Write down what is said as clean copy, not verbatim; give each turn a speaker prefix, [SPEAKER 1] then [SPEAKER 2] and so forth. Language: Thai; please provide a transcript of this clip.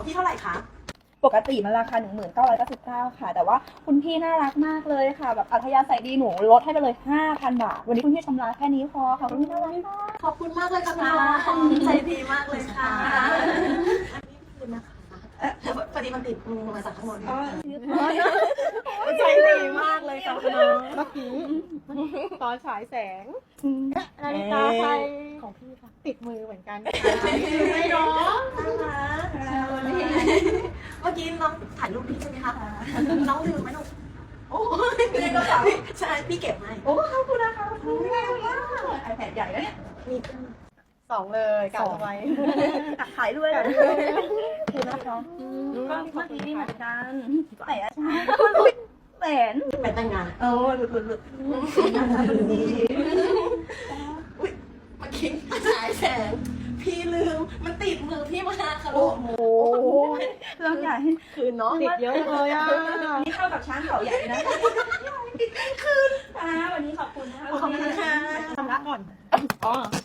[SPEAKER 1] ของพี่เท่าไหร่คะ
[SPEAKER 2] ปกติมันราคา 1999 ค่ะ แต่ว่าคุณพี่น่ารักมากเลยค่ะ แบบอัธยาศัยดีหนูลดให้ไปเลย 5,000 บาท วันนี้คุณพี่ชำระแค่นี้พอค่ะคุณพี่น่ารักมาก
[SPEAKER 1] ขอบคุณมากเลยค่ะน้องใจดีมากเลยค่ะอันนี้คือนะคะพอดีมันติดมือมาจากข้างบนใจดีมากเลยค่ะน้อง
[SPEAKER 3] เมื่อกี้ตอนฉายแสงนาฬิกาไทยของพี่ค่ะติดมือเหมือนกัน
[SPEAKER 1] ไม่น้องเมื่อกี้น้องถ่ายรูปพี่ใช่ไหมคะน้องลืมไหมลูกโอ้ยในกระเป๋าใช่พี่เก็บให้
[SPEAKER 2] โอ้ขอบคุณนะคะขอบคุณมากไอแพดใหญ่แล้วเนี่ย
[SPEAKER 1] มี
[SPEAKER 3] 2 เลยกลับเอาไว้
[SPEAKER 2] ขายด้วยคือนะคะก็เมื่อกี้เหมือนกันแหมแหวน
[SPEAKER 1] ไปแต่งงาน
[SPEAKER 2] เออหลุดอุ้ย
[SPEAKER 1] เมื่อกี้ฉายแสงพี่ลืมมันติดมือพี่มาค่ะลูก
[SPEAKER 2] โอ้เรื่องใหญ่
[SPEAKER 1] คืนเนาะ
[SPEAKER 3] ติดเยอะเลยอ่ะ
[SPEAKER 2] นี่เข้ากับช้างเขาใหญ่นะคืนวันนี้ขอบคุณนะ
[SPEAKER 1] ขอบคุณค่ะ
[SPEAKER 3] ชำระก่อน อ๋อ